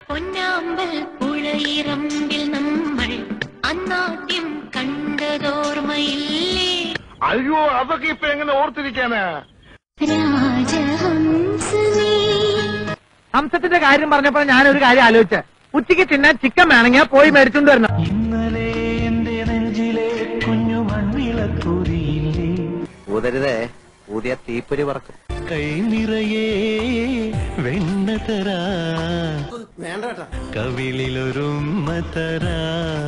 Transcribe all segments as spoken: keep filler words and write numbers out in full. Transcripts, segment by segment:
പൊന്നാമ്പൽ പുഴയിറമ്പിൽ നമ്മൾ അന്നാദ്യം കണ്ടതോർമ്മയില്ലേ? അയ്യോ, അതൊക്കെ ഇപ്പൊ എങ്ങനെ ഓർത്തിരിക്കാനാ? രാജഹംസമേ. ഹംസത്തിന്റെ കാര്യം പറഞ്ഞപ്പോ ഞാനൊരു കാര്യം ആലോചിച്ച, ഉച്ചയ്ക്ക് തിന്നാൻ ചിക്കൻ വേണമെങ്കിൽ പോയി മേടിച്ചോണ്ട് വരണം. ഇന്നലെ എന്റെ നെഞ്ചിലെ കുഞ്ഞു മൺവിളക്കൂതിയില്ലേ, ഊതരുതേ, ഊതിയ തീപ്പൊരി പറക്കും. കൈ നിറയെ വെണ്ണ തരാ, കവിളിലൊരുമ്മ തരാ,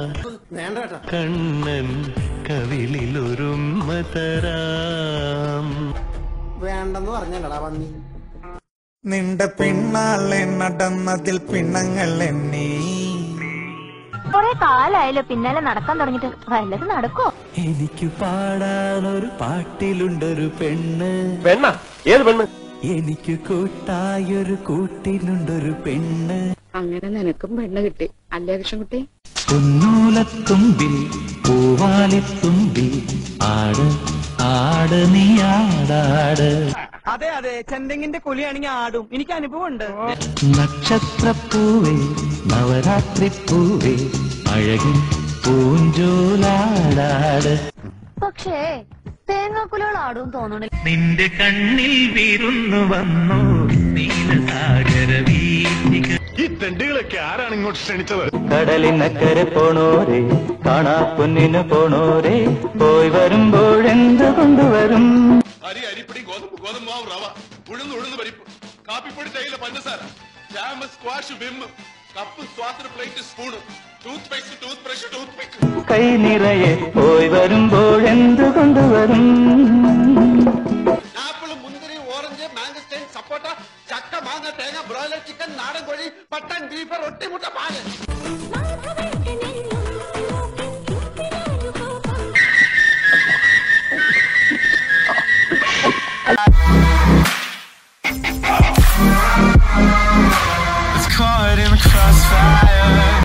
കണ്ണൻ കവിളിലൊരുമ്മ തരാം. വേണ്ടെന്ന് പറഞ്ഞല്ലടാ പന്നി. നിന്റെ പിന്നാലെ നടന്നതിൽ പിണങ്ങൾ എണ്ണി. കൊറേ കാലായാലോ പിന്നാലെ നടക്കാൻ തുടങ്ങിട്ട്, വല്ലത് നടക്കോ? എനിക്ക് പാടാനൊരു പാട്ടിലുണ്ടൊരു പെണ്ണ്. പെണ്ണ? ഏത് പെണ്ണ്? എനിക്ക് കൂട്ടായൊരു കൂട്ടിലുണ്ടൊരു പെണ്ണ്. അങ്ങനെ നിനക്കും പെണ്ണ് കിട്ടി അല്ലേ കൃഷ്ണൻകുട്ടി? പൊന്നൂലത്തുമ്പിൽ പൂവാലിത്തുമ്പിൽ ആട് ആട് നീ ആടാട്. അതെ അതെ, ചെന്തെങ്ങിന്റെ കൊലിയാണെങ്കിൽ ആടും, എനിക്ക് അനുഭവമുണ്ട്. നക്ഷത്രപ്പൂവേ നവരാത്രി പൂവേ അഴകിൻ പൂഞ്ചോലാടാട്. പക്ഷേ തേങ്ങാക്കുലകൾ ആടും തോന്നണില്ല. നിന്റെ കണ്ണിൽ വിരുന്നു വന്നു നീലസാഗര വീഥിക. ഈ തെണ്ടുകളൊക്കെ ആരാണ് ഇങ്ങോട്ട് ക്ഷണിച്ചത്? കടലിനക്കരെ പോണോരെ, കാണാ പൊന്നിന് പോണോരെ, പോയി വരുമ്പോഴെന്ത് കൊണ്ടുവരും? അരി, അരിപ്പൊടി, ഗോതമ്പ്, ഗോതമ്പ് മാവ്, റവ, ഉഴുന്ന്, ഉഴുന്ന് പരിപ്പ്, കാപ്പിപ്പൊടി, തേയില, പഞ്ചസാര, ജാം, സ്ക്വാഷ്, വിം, കപ്പ്, സ്വാത്ര, plate, spoon, tooth paste, tooth brush, tooth pick. കൈ നിറയെ പോയി വരുമ്പോഴെന്ത് കൊണ്ടുവരും? ആപ്പിൾ, മുന്തിരി, ഓറഞ്ച്, മാംഗസ്റ്റൈൻ, സപ്പോട്ട, ചക്ക, മാങ്ങ, തേങ്ങ, ബ്രോയിലർ ചിക്കൻ, നാടൻ കോഴി, പട്ടൻ, ബീഫ്, റൊട്ടി, മുട്ട, പാല്.